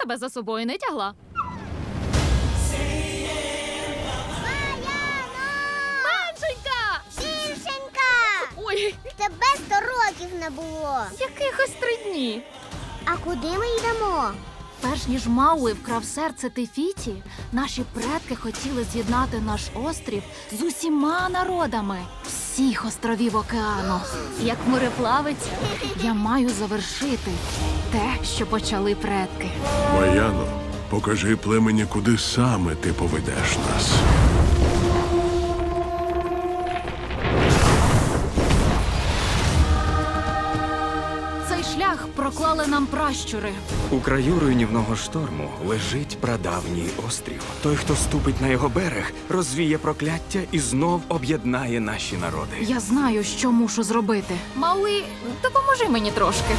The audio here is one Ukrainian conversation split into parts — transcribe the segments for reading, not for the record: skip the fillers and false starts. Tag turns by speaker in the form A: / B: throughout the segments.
A: тебе за собою не тягла. Меншенька!
B: Більшенька!
A: Ой,
B: Тебе 100 років не було.
A: якихось 3 дні.
B: А куди ми йдемо?
A: Перш ніж Мауи вкрав серце Тефіті, наші предки хотіли з'єднати наш острів з усіма народами всіх островів океану. Як мореплавець, я маю завершити те, що почали предки.
C: Маяно, покажи племені, куди саме ти поведеш нас.
A: Цей шлях проклали нам пращури.
D: У краю руйнівного шторму лежить прадавній острів. Той, хто ступить на його берег, розвіє прокляття і знов об'єднає наші народи.
A: Я знаю, що мушу зробити. Мауи, допоможи мені трошки.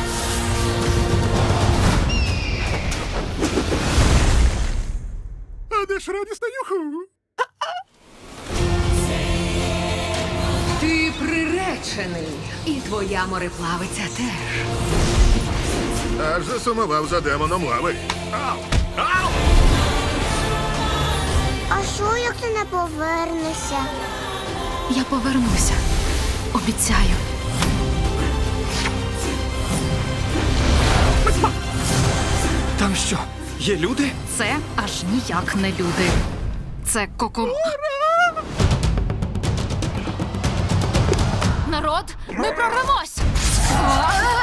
C: А де ж радісна юху?
E: Ти приречений, і твоя мореплавиця теж.
C: Аж засумував за демоном лави.
B: А що, як ти не повернешся?
A: Я повернуся. Обіцяю.
D: Там що, є люди?
A: Це аж ніяк не люди. Це Народ, ми прорвемось!